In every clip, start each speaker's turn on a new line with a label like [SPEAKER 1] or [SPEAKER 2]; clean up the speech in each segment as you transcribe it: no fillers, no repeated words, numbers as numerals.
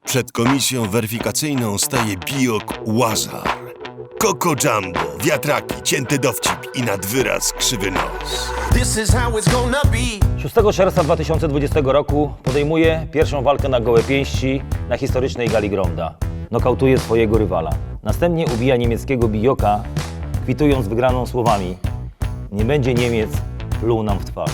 [SPEAKER 1] Przed komisją weryfikacyjną staje bijok Łazar. Coco Jumbo, wiatraki, cięty dowcip i nad wyraz krzywy nos.
[SPEAKER 2] 6 czerwca 2020 roku podejmuje pierwszą walkę na gołe pięści na historycznej gali Gronda. Nokautuje swojego rywala. Następnie ubija niemieckiego bijoka, kwitując wygraną słowami: nie będzie Niemiec, pluł nam w twarz.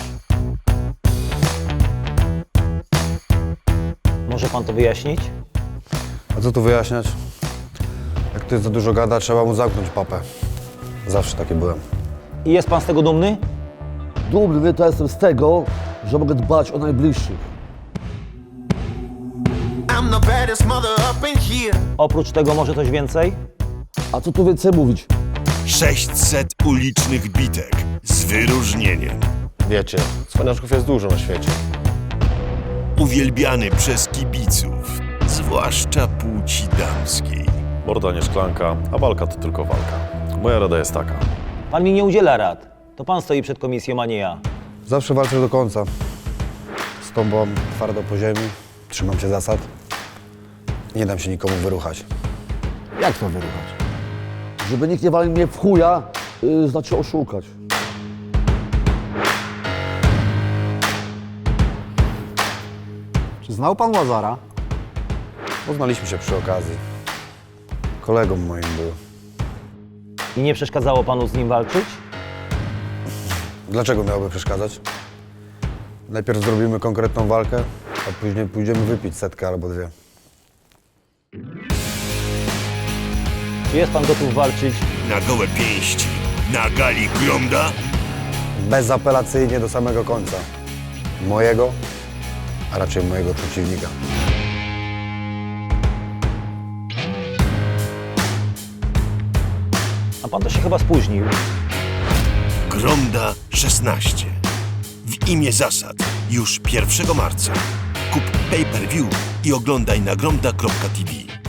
[SPEAKER 2] Może pan to wyjaśnić?
[SPEAKER 3] A co tu wyjaśniać? Jak ktoś za dużo gada, trzeba mu zamknąć papę. Zawsze taki byłem.
[SPEAKER 2] I jest pan z tego dumny?
[SPEAKER 4] Dumny to jestem z tego, że mogę dbać o najbliższych.
[SPEAKER 2] Oprócz tego może coś więcej?
[SPEAKER 4] A co tu więcej mówić?
[SPEAKER 1] 600 ulicznych bitek z wyróżnieniem.
[SPEAKER 3] Wiecie, cwaniaczków jest dużo na świecie.
[SPEAKER 1] Uwielbiany przez kibiców, zwłaszcza płci damskiej.
[SPEAKER 5] Morda nie szklanka, a walka to tylko walka. Moja rada jest taka.
[SPEAKER 2] Pan mi nie udziela rad. To pan stoi przed komisją, a nie ja.
[SPEAKER 3] Zawsze walczę do końca. Stąpam twardo po ziemi, trzymam się zasad. Nie dam się nikomu wyruchać.
[SPEAKER 4] Jak to wyruchać? Żeby nikt nie walił mnie w chuja, znaczy oszukać.
[SPEAKER 6] Czy znał pan Łazara?
[SPEAKER 3] Poznaliśmy się przy okazji. Kolegą moim był.
[SPEAKER 2] I nie przeszkadzało panu z nim walczyć?
[SPEAKER 3] Dlaczego miałoby przeszkadzać? Najpierw zrobimy konkretną walkę, a później pójdziemy wypić setkę albo dwie.
[SPEAKER 2] Czy jest pan gotów walczyć?
[SPEAKER 1] Na gołe pięści, na gali Gronda.
[SPEAKER 3] Bezapelacyjnie do samego końca. Mojego, a raczej mojego przeciwnika.
[SPEAKER 2] A pan to się chyba spóźnił.
[SPEAKER 1] Gronda 16. W imię zasad. Już 1 marca. Kup pay-per-view i oglądaj na gronda.tv.